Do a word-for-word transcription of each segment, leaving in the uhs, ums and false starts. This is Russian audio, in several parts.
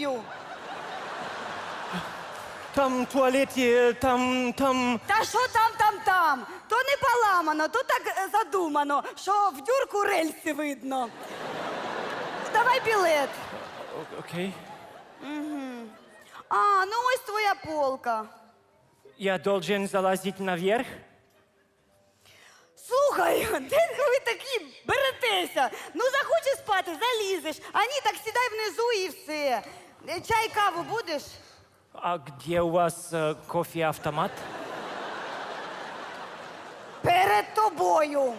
поліцію. Там туалет є, там, там... Та що там, там, там? То не поламано, то так е, задумано, що в дюрку рельси видно. Давай білет. О- Окей. А, ну ось твоя полка. Я должен залазить наверх? Слухай, де ви такі беретеся? Ну захочеш спати, залізеш. А ні, так сідай внизу і все. Е, Чай, каву будеш? А где у вас э, кофе-автомат? Перед тобою.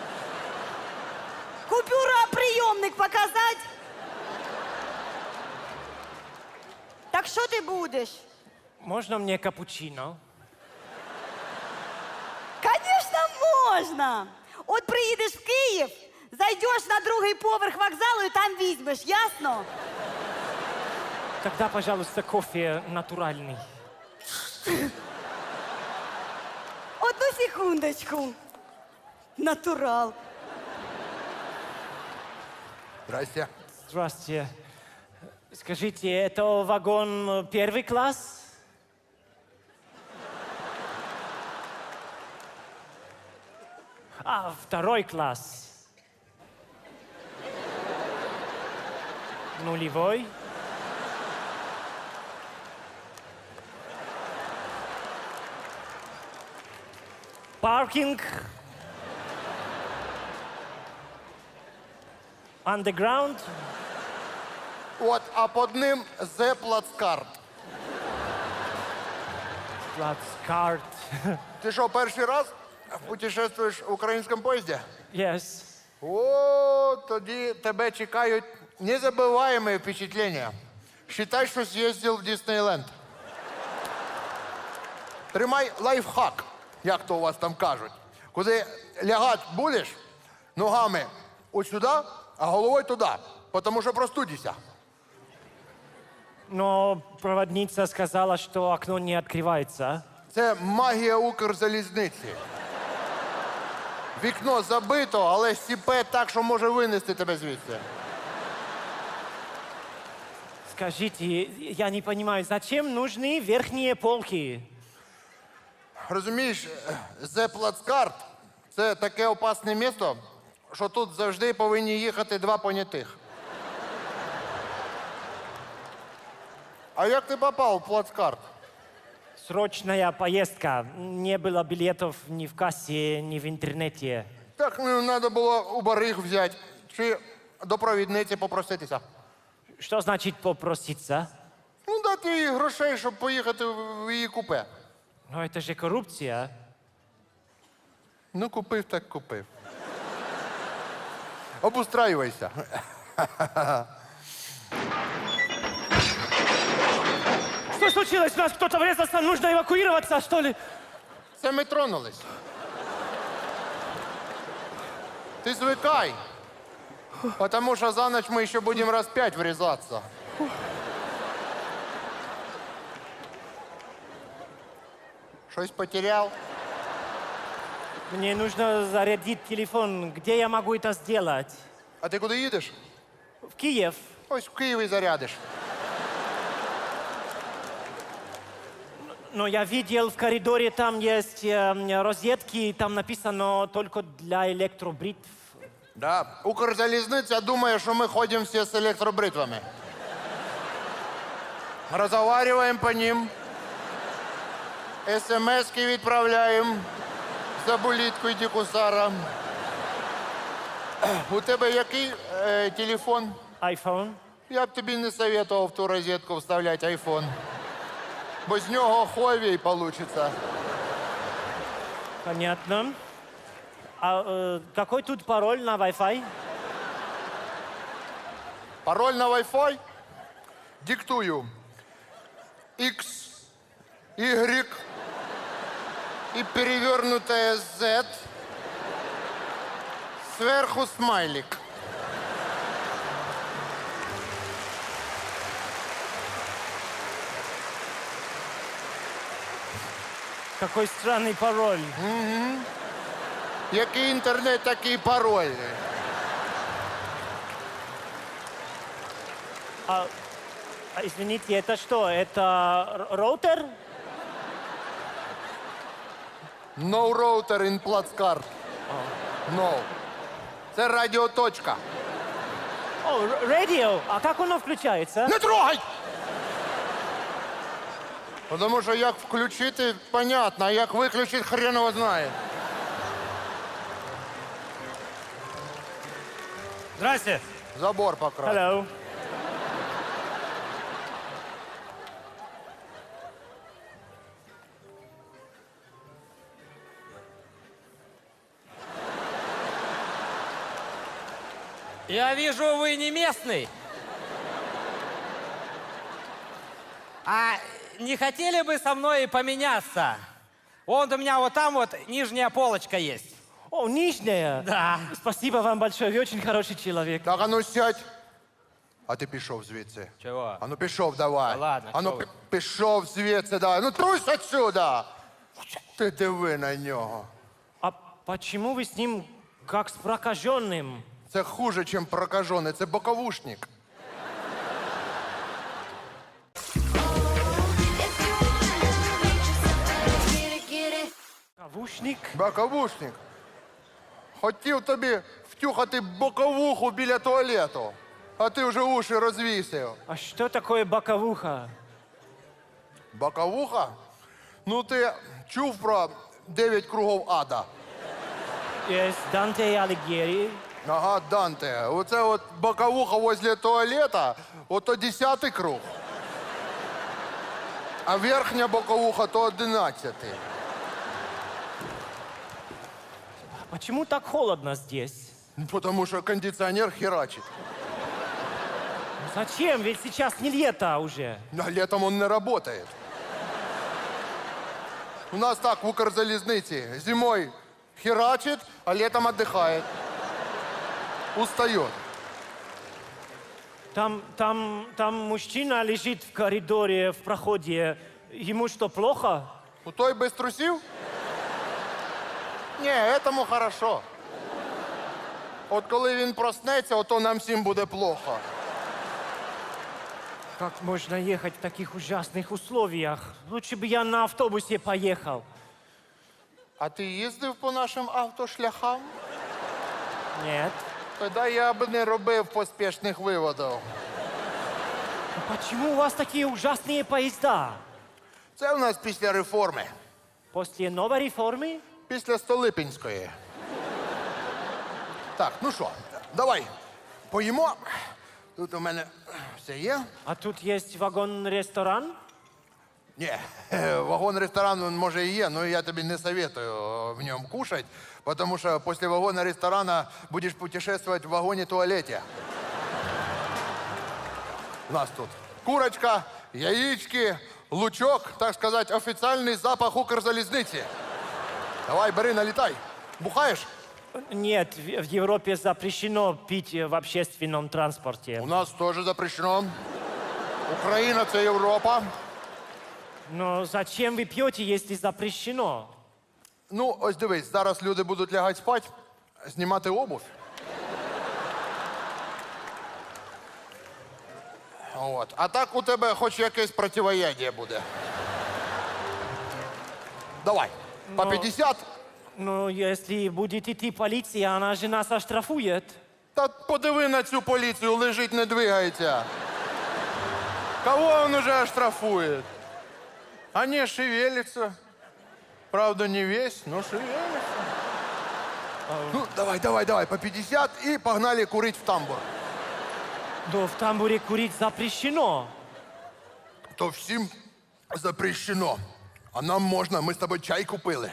Купюра, прийомник показать? Так що ти будеш? Можно мне капучино? Конечно, можна. От приїдеш в Київ, зайдеш на другий поверх вокзалу і там візьмеш, ясно? Тогда, пожалуйста, кофе натуральный. Одну секундочку. Натурал. Здрасте. Здравствуйте. Скажите, это вагон э, первый класс? А, второй класс. Нулевой. Паркинг. Underground. От, а під ним Зе Плацкарт. Плацкарт. Ти що, перший раз путешествуєш в українському поїзді? Yes. О, тоді тебе чекають незабываемые впечатления. Считай, що з'їздив в Диснейленд. Тримай лайфхак, як то у вас там кажуть. Куди лягати будеш, ногами от сюди, а головою туди, тому що простудишся. Но проводница сказала, что окно не открывается. Це магія Укрзалізниці. Вікно забито, але сіпе так, що може винести тебе звідси. Скажите, я не понимаю, зачем нужны верхние полки? Розумієш, Зе Плацкарт – це таке опасне місто, що тут завжди повинні їхати два понятих. А як ти попав в Плацкарт? Срочная поездка. Не было билетов ни в кассе, ни в интернете. Так, ну, треба було у бариг взяти, чи до провідниці попроситися. Что значит попроситься? Ну, дати їй грошей, щоб поїхати в її купе. Но это же коррупция. Ну, купив, так купив. Обустраювайся. Что случилось? У нас кто-то врезался, нужно эвакуироваться, что ли? Це ми тронулись. Ти звикай. Потому що за ночь ми ще будемо раз п'ять врізатися. Щось потеряв? Мне нужно зарядить телефон. Где я могу это сделать? А ти куди їдеш? В Киев. Ось в Києві зарядиш. Но я видел в коридоре, там есть э, розетки, там написано только для электробритв. Да. Укрзалізниця думає, що ми ходимо всі з електробритвами. Розговариваємо по ним. СМС-ки відправляємо. За булітку йди кусара. У тебе який е, телефон? iPhone. Я б тобі не советував в ту розетку вставляти айфон. Бо з нього ховій получиться. Понятно. А э, какой тут пароль на Wi-Fi? Пароль на Wi-Fi? Диктую. X, Y и перевернутое Z. Сверху смайлик. Какой странный пароль. Який інтернет, такий пароль. А, извините, это что? Это р- роутер? No router in плацкарт. No. Це радіоточка. О, р- радио. А как оно включается? Не трогай! Тому що як включити, понятно, а як виключити, хрен його знає. Здрасте. Забор покрас. Hello. Я вижу, вы не местный. А не хотели бы со мной поменяться? Вон у меня вот там вот нижняя полочка есть. О, нижняя. Да. Спасибо вам большое, вы очень хороший человек. Так, а ну сядь. А ти пішов звідси. Чого? А ну пішов давай. Та ладно, а ну чого ви? пі- пішов звідси, давай. Ну трусь отсюда. Ти диви на нього. А почему вы с ним как с прокаженным? Це хуже, ніж прокажений, це боковушник. Кавушник? Боковушник. Хотів тобі втюхати боковуху біля туалету, а ти вже уші розвісив. А что такое боковуха? Боковуха? Ну ти чув про дев'ять кругов ада? Есть Данте и Алигьери. Ага, Данте. Оце от боковуха возле туалета, ото десятий круг. А верхня боковуха то одинадцятий. Почему так холодно здесь? Ну, тому що кондиціонер херачить. Зачем? Ведь сейчас не лето уже. А летом он не работает. У нас так в Укрзалізниці. Зимой херачит, а летом отдыхает. Устает. Там, там, там мужчина лежит в коридоре, в проходе. Ему что, плохо? У той без трусів? Ні, этому хорошо. От коли він проснеться, ото нам всім буде плохо. Как можно ехать в таких ужасных условиях? Лучше бы я на автобусе поехал. А ти їздив по нашим автошляхам? Нет. Тоді я б не робив поспішних виводів. А почему у вас такие ужасные поезда? Це у нас після реформи. После новой реформы? Після Столипінської. Так, ну що, давай поїмо. Тут у мене все є. А тут есть вагон-ресторан? Ні, вагон-ресторан він, може і є, але я тобі не советую в ньому кушать, тому що після вагона-ресторана будеш путешествовать в вагоні-туалеті. У нас тут курочка, яички, лучок, так сказати, офіційний запах Укрзалізниці. Давай, бери, налітай. Бухаєш? Нет, в в Европе запрещено пить в общественном транспорте. У нас теж запрещено. Україна – це Європа. Но зачем вы пьете, если запрещено? Ну, ось дивись, зараз люди будуть лягати спати, знімати обувь. От. А так у тебе хоч якесь противоядие буде. Давай, по Но- п'ятдесят. Ну, если будет идти полиция, она же нас оштрафует. Та подиви на цю поліцію, лежить, не двигається. Кого він уже оштрафує? А не, шевелится. Правда, не весь, но шевелится. Ну, давай, давай, давай, по п'ятдесят и погнали курить в тамбур. Но в тамбуре курить запрещено. То всім запрещено. А нам можна, ми з тобою чай купили.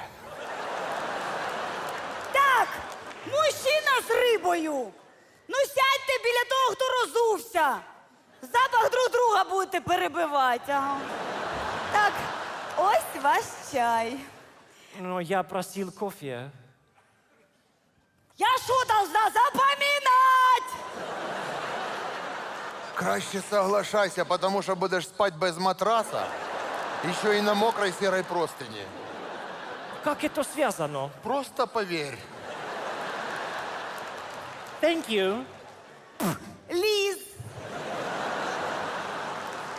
Так, мужчина з рибою. Ну сядьте біля того, хто розувся. Запах друг друга будете перебивати. Ага. Так, ось ваш чай. Но я просил кофе. Я що должна запам'ятати? Краще соглашайся, потому що будеш спати без матраса, еще и на мокрой серой простыни. Как это связано? Просто поверь. Thank you. Ліз.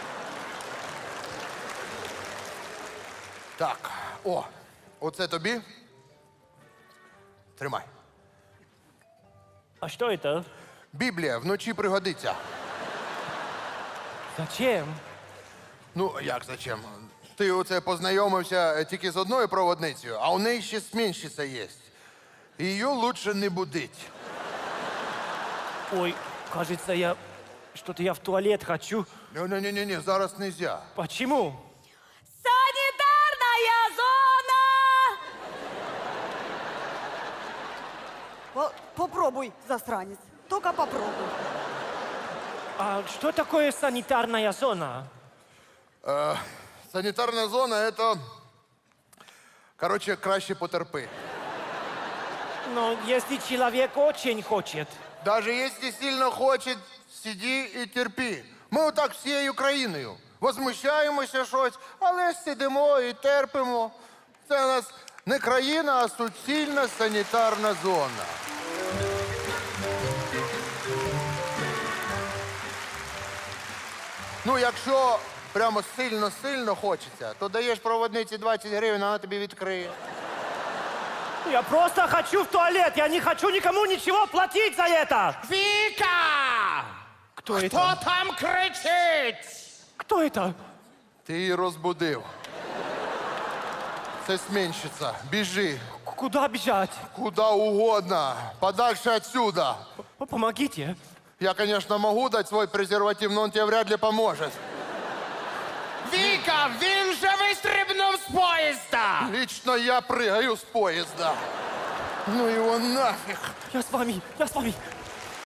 Так, о, оце тобі. Тримай. А что это? Біблія вночі пригодиться. Зачем? Ну, як зачем? Ти оце познайомився е, тільки з одною проводницею, а у неї ще сменщиця є. Її лучше не будить. Ой, кажется, я... Что-то я в туалет хочу. Ні-ні-ні, зараз нельзя. Почему? Санітарна зона! О, попробуй, засранець. Тільки попробуй. А что такое санитарная зона? Санітарна зона – це, коротше, краще потерпи. Но если человек очень хочет. Даже якщо сильно хоче, сиди і терпи. Ми отак всією країною. Возмущаємося щось, але сидимо і терпимо. Це у нас не країна, а суцільна санітарна зона. Ну, якщо прямо сильно-сильно хочеться, то даєш проводниці двадцять гривень, вона тобі відкриє. Я просто хочу в туалет. Я не хочу никому ничего платить за это. Віка! Кто Хто это? там кричить? Кто это? Ти її розбудив. Це сменщиця. Біжи. К- Куда бежать? Куда угодно. Подальше отсюда. П- Помогите. Я, конечно, могу дать свой презерватив, но он тебе вряд ли поможет. Віка, він же вистрибнув з поїзда! Лично я прыгаю с поезда. Ну его нафиг. Я с вами, я с вами.